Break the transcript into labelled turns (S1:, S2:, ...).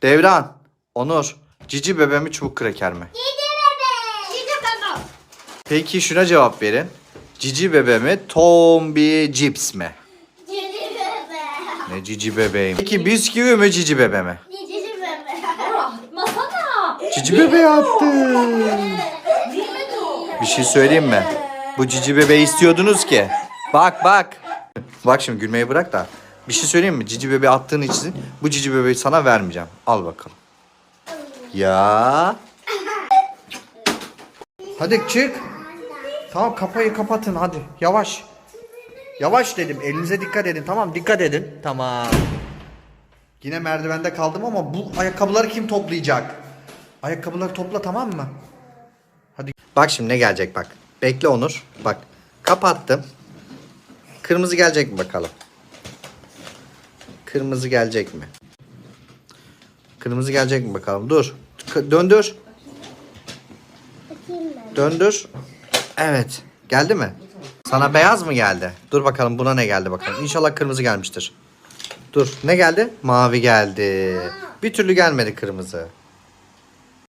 S1: Devran, Onur, cici bebe mi çubuk kraker mi?
S2: Cici bebe. Cici bebe.
S1: Peki şuna cevap verin. Cici bebe mi, Tombi cips mi?
S2: Cici bebe.
S1: Ne cici bebeğim. Peki bisküvi mi, cici bebe mi?
S2: Cici bebe.
S3: Masana.
S1: Cici bebe yaptı.
S3: Bilmedi o.
S1: Bir şey söyleyeyim mi? Bu cici bebeği istiyordunuz ki. Bak bak. Bak şimdi gülmeyi bırak da. Bir şey söyleyeyim mi? Cici bebeği attığın için bu cici bebeği sana vermeyeceğim. Al bakalım. Ya. Hadi çık. Tamam kapıyı kapatın hadi. Yavaş. Yavaş dedim. Elinize dikkat edin. Tamam dikkat edin. Tamam. Yine merdivende kaldım ama bu ayakkabıları kim toplayacak? Ayakkabıları topla, tamam mı? Hadi. Bak şimdi ne gelecek bak. Bekle Onur. Bak. Kapattım. Kırmızı gelecek mi bakalım? Kırmızı gelecek mi? Kırmızı gelecek mi bakalım? Dur. Döndür.
S2: Bakayım ben.
S1: Döndür. Evet. Geldi mi? Sana beyaz mı geldi? Dur bakalım buna ne geldi bakalım. İnşallah kırmızı gelmiştir. Dur. Ne geldi? Mavi geldi. Bir türlü gelmedi kırmızı.